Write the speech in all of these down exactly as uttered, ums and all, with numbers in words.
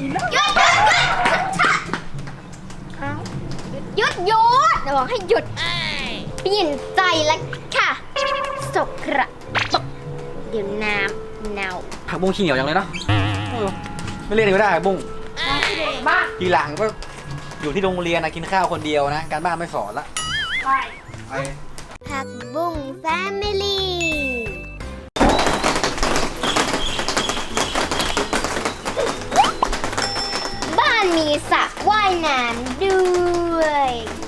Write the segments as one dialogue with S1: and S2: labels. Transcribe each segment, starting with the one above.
S1: แล้วหยุดหยุดหยุดหยุดหยุดจะบอกให้หยุดเปลี่ยนใจแล้วค่ะสกระตกเดี๋ยวน้ำเน่า
S2: ผักบุ้งขี้เหนียวจังเลยเนาะไม่เรียกก็ได้ผักบุ้ง
S1: บ้า
S2: ทีหลังก็อยู่ที่โรงเรียนนะกินข้าวคนเดียวนะการบ้านไม่สอนละ
S1: ไปไปผักบุ้งแฟมิลี่บ้านมีสระว่ายน้ำด้วย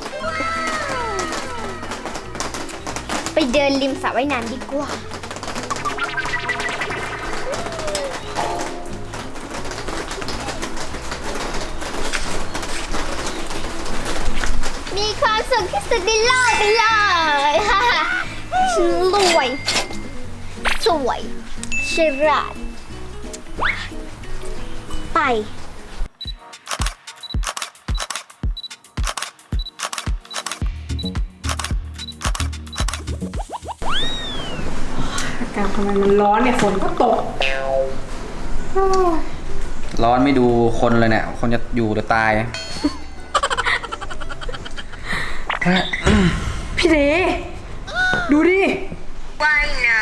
S1: ไปเดินริมสระว่ายน้ำดีกว่ามีความสุขที่สุดในโลกไปเลยฮ่าฉันรวยสวยฉลาดไป
S3: อากาศทำไมมันร้อนเนี่ยฝนก็ตก
S2: ร้อนไม่ดูคนเลยเนี่ยคนจะอยู่หรือตาย
S3: พี่เดดูดิ
S1: ว่ายน้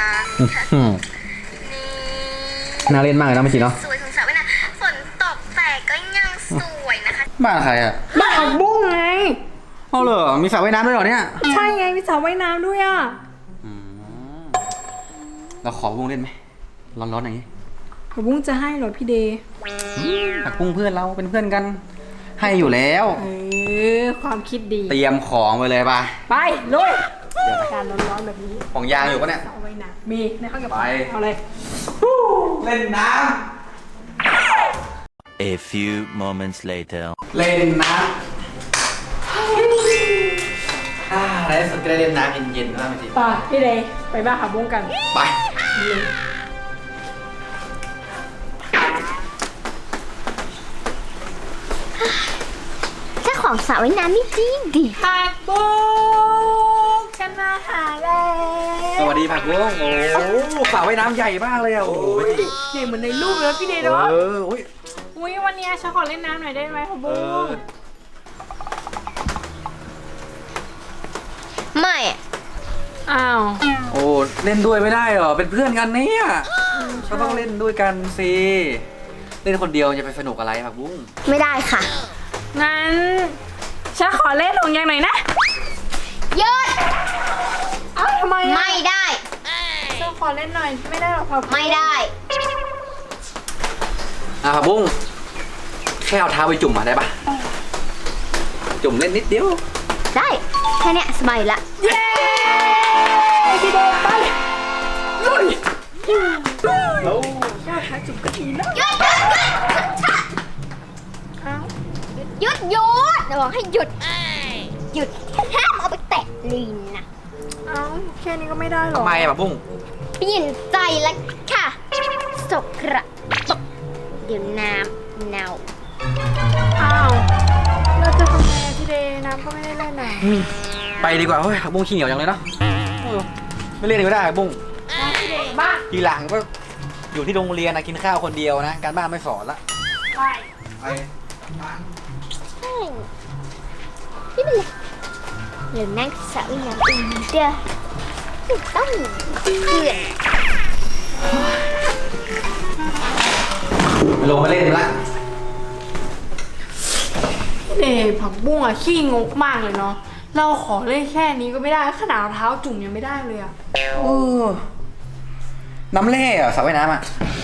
S2: ำน่าเล่นมากเลยนะเมื่อกี้เนาะ
S1: สวยของสระว่ายน้ำฝนตกแต่ก็ยังสวยนะคะ
S2: บ้านใครอะ
S3: บ้านผักบุ้งไง
S2: เอาเหรอมีสระว่ายน้ำด้วยเหรอเนี่ย
S3: ใช่ไงมีสระว่ายน้ำด้วยอ่ะ
S2: เราขอผักบุ้งเล่นไหมร้อนๆอย่างนี้
S3: ผักบุ้งจะให้เหรอพี่เด
S2: ผักบุ้งเพื่อนเราเป็นเพื่อนกันให้อยู่แล้ว
S3: เออความคิดดี
S2: เตรียมของไปเลยป่ะ
S3: ไปลุยการร้อนๆแบบนี้
S2: ของยางอยู่ปะเนี่ย
S3: เอาไว้นะมีในห้องเก็บของเอาเลย
S2: เล่นน้
S4: ำ A few moments later
S2: เล่นน้ำอ่าในที่สุดก็ได้เล่นน้ำเย็นๆแล้วจริง
S3: ป่ะพี่เดย์ไปบ้านผักบุ้งกัน
S2: ไป
S1: ของสระว่ายน้ำนี่ดีดี
S3: ผักบุ้งฉันมาหาแล้ว
S2: สวัสดีผักบุ้งโอ้สระว่ายน้ำใหญ่มากเลยอ่ะโอ้โห
S3: ใหญ่เหมือนในรูปเลยพี่เดย์เนาะ
S2: เอออุ้ย
S3: อุ้ยวันนี้ฉันขอเล่นน้ำหน่อยได้ไหมผักบุ้ง
S1: ไม่
S3: อ้าว
S2: โอ้เล่นด้วยไม่ได้เหรอเป็นเพื่อนกันเนี่ยก็ต้องเล่นด้วยกันสิเล่นคนเดียวจะไปสนุกอะไรผักบุ้ง
S1: ไม่ได้ค่ะ
S3: งั้นฉันขอเล่นห่วงยางหน่อยนะ
S1: หยุด
S3: เอ้าทำไม
S1: ไม่ได้
S3: ฉันขอเล่นหน่อยไม่ได้หรอผักบุ้ง
S1: ไม่ได้
S2: อ่ะผักบุ้งแค่เอาเท้าไปจุ่มมาได้ปะจุ่มเล่นนิดเดียว
S1: ได้แค่นี้สบายละ
S3: เย้พี่เดไปลุย
S2: โอ้
S3: แค่เท้าจุ่มก็ดีแล้ว
S1: หยุดหยุดหยุดจะบอกให้หยุดหยุดห้ามเอาไปแตะลีนนะ
S3: เอ้าแค่นี้ก็ไม่ได้หรอ
S2: ทำไมอะบุ้ง
S1: เปลี่ยนใจแล้วค่ะสกระตกเดี๋ยวน้ำเน่า
S3: อ้าวเราจะทำไงพี่เดน้ำก็ไม่ได้เล่นน่ะ
S2: ไปดีกว่าเฮ้ยบุ้งขี้เหนียวจังเลยเนาะไม่เล่นก็ได้บุ้ง
S3: บ้า
S2: ทีหลังก็อยู่ที่โรงเรียนนะกินข้าวคนเดียวนะการบ้านไม่สอนละ
S3: ไป
S2: ไป
S1: ไม่เป็นไรเดี๋ยวนั่งสาวน้ำอุ่นเด้อต้องเพื่อน
S2: ลงมาเล่นละ
S3: เด็กผักบุ้งอะขี้งกมากเลยเนาะเราขอเล่นแค่นี้ก็ไม่ได้ขนาดเท้าจุ่มยังไม่ได้เลยอะ
S2: โอ้น้ำแร่อะสระว่ายน้ำอะ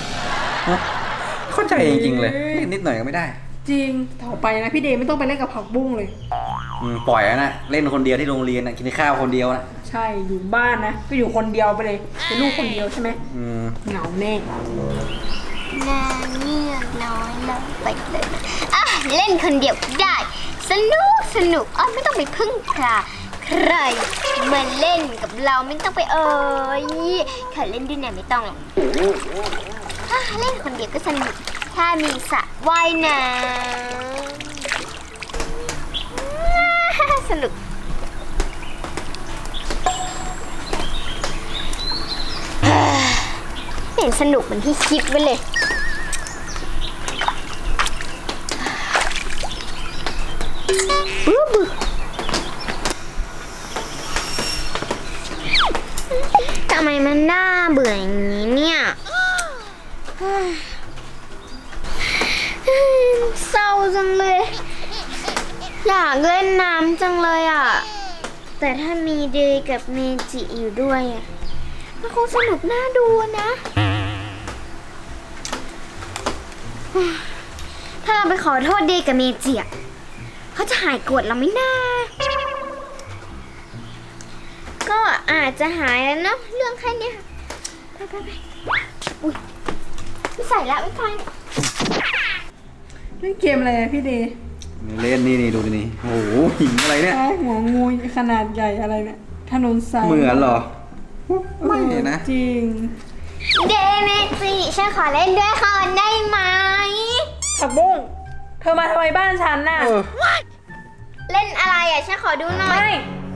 S2: เข้าใจจริงๆเลยนิดหน่อยก็ไม่ได้
S3: จริงต่อไปนะพี่เดย์ไม่ต้องไปเล่นกับผักบุ้งเลย
S2: อืมปล่อยแล้วนะเล่นคนเดียวที่โรงเรียนนะกินข้าวคนเดียวนะ
S3: ใช่อยู่บ้านนะก็อยู่คนเดียวไปเลยเป็นลูกคนเดียวใช่ไหม
S2: อืม
S3: เหงาแน่
S1: น่าเงียบน้อยลงไปเลยอ่ะเล่นคนเดียวได้สนุกสนุกอ๋อไม่ต้องไปพึ่งใครใครมาเล่นกับเราไม่ต้องไปเอ่ยขอเล่นด้วยเนี่ยไม่ต้องหรอกเล่นคนเดียวก็สนุกถ้ามีสระว่ายน้ำสนุกไม่เห็นสนุกเหมือนที่คิดไว้เลยเศร้าจังเลย อยากเล่นน้ำจังเลยอ่ะ แต่ถ้ามีเดย์กับเมจิอยู่ด้วยอ่ะมันคงสนุกน่าดูนะ ถ้าเราไปขอโทษเดย์กับเมจิอ่ะเขาจะหายโกรธเราไหมนะก็อาจจะหายแล้วเนาะเรื่องแค่เนี้ยไปไปไปอุ้ยไม่ใส่ละไม่ฟัง
S3: เล่นเกมอะไรอะพี่เดย์
S2: เล่นนี่นี่ดูดินี่โอ้โหหินอะไรเนี่ย
S3: ไอ้หัวงูขนาดใหญ่อะไรเนี่ยถนนสาย
S2: เหมือนเหรอไม่นะ
S3: จริง
S1: เดย์เมจิฉันขอเล่นด้วยค่ะได้ไหม
S3: ผักบุ้งเธอมาทำไมบ้านฉันน่ะ
S2: เออ
S1: เล่นอะไรอ่ะฉันขอดูหน่อย
S3: ไม่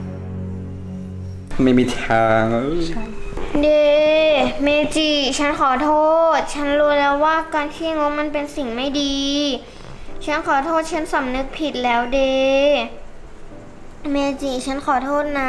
S2: ไม่มีทางเออ
S1: เดย์เมจิฉันขอโทษ ฉันรู้แล้วว่าการขี้งกมันเป็นสิ่งไม่ดี ฉันขอโทษฉันสำนึกผิดแล้วเดย์เมจิฉันขอโทษนะ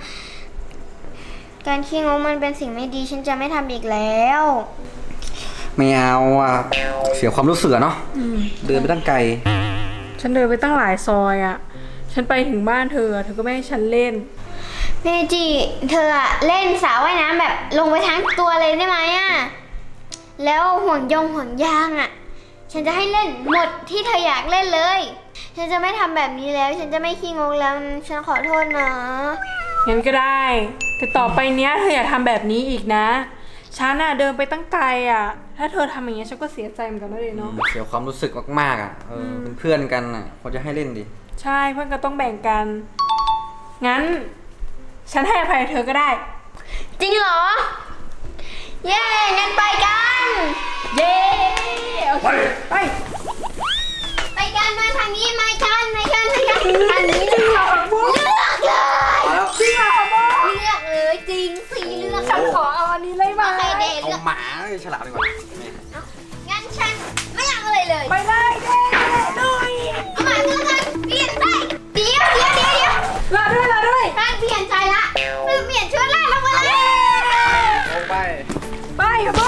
S1: การขี้งกมันเป็นสิ่งไม่ดี ฉันจะไม่ทำอีกแล้ว
S2: ไม่เอาอ่ะเสียความรู้สึกอะเนาะ
S3: อืม
S2: เดินไปตั้งไกล
S3: ฉันเดินไปตั้งหลายซอยอะฉันไปถึงบ้านเธอ เธอก็ไม่ให้ฉันเล่น
S1: เมจิเธออะเล่นสระว่ายน้ำแบบลงไปทั้งตัวเลยได้ไหมอะแล้วห่วงยงห่วงยางอะฉันจะให้เล่นหมดที่เธออยากเล่นเลย ฉันจะไม่ทำแบบนี้แล้ว ฉันจะไม่ขี้งกแล้ว ฉันขอโทษนะ
S3: งั้นก็ได้ แต่ต่อไปเนี้ยเธออย่าทำแบบนี้อีกนะ ฉันน่ะเดินไปตั้งไกลอ่ะ ถ้าเธอทำอย่างเงี้ยฉันก็เสียใจเหมือนกันนะเลยเนาะ
S2: เสียความรู้สึกมากๆอ่ะเออเป็นเพื่อนกันอ่ะเขาจะให้เล่นดิ
S3: ใช่เพื่อนก็ต้องแบ่งกัน งั้น ฉันให้อภัยเธอก็ได้
S1: จริงเหรอ เย้งั้นไปกัน
S3: เย้โอเคไป
S1: ไปกันมาทางนี้มากันมากันมากันทางนี้เลยเลือกเลย
S2: มาแล้ว
S3: จริงเหรอโบ
S1: เลือกเลยจริงสิเลือก
S3: ฉันขอเอาอันนี้เลยไหม
S1: ใครเดท
S2: เอา
S1: เลือก
S2: หมาไอ้ฉลามดีกว่า
S1: งั้นฉันไม่อยากอะไรเลย
S3: ไปเลยเย้ด้วย
S1: เอาใหม่เพื่อนกันเปลี่ยนใจเดี๋ยวเดี๋ยวเดี๋ยวเดี๋ยว
S3: ลาด้วยลาด้วย
S1: ท่านเปลี่ยนใจละเปลี่ยนชุดละลงมาเลย
S2: ลงไป
S3: ไปโบ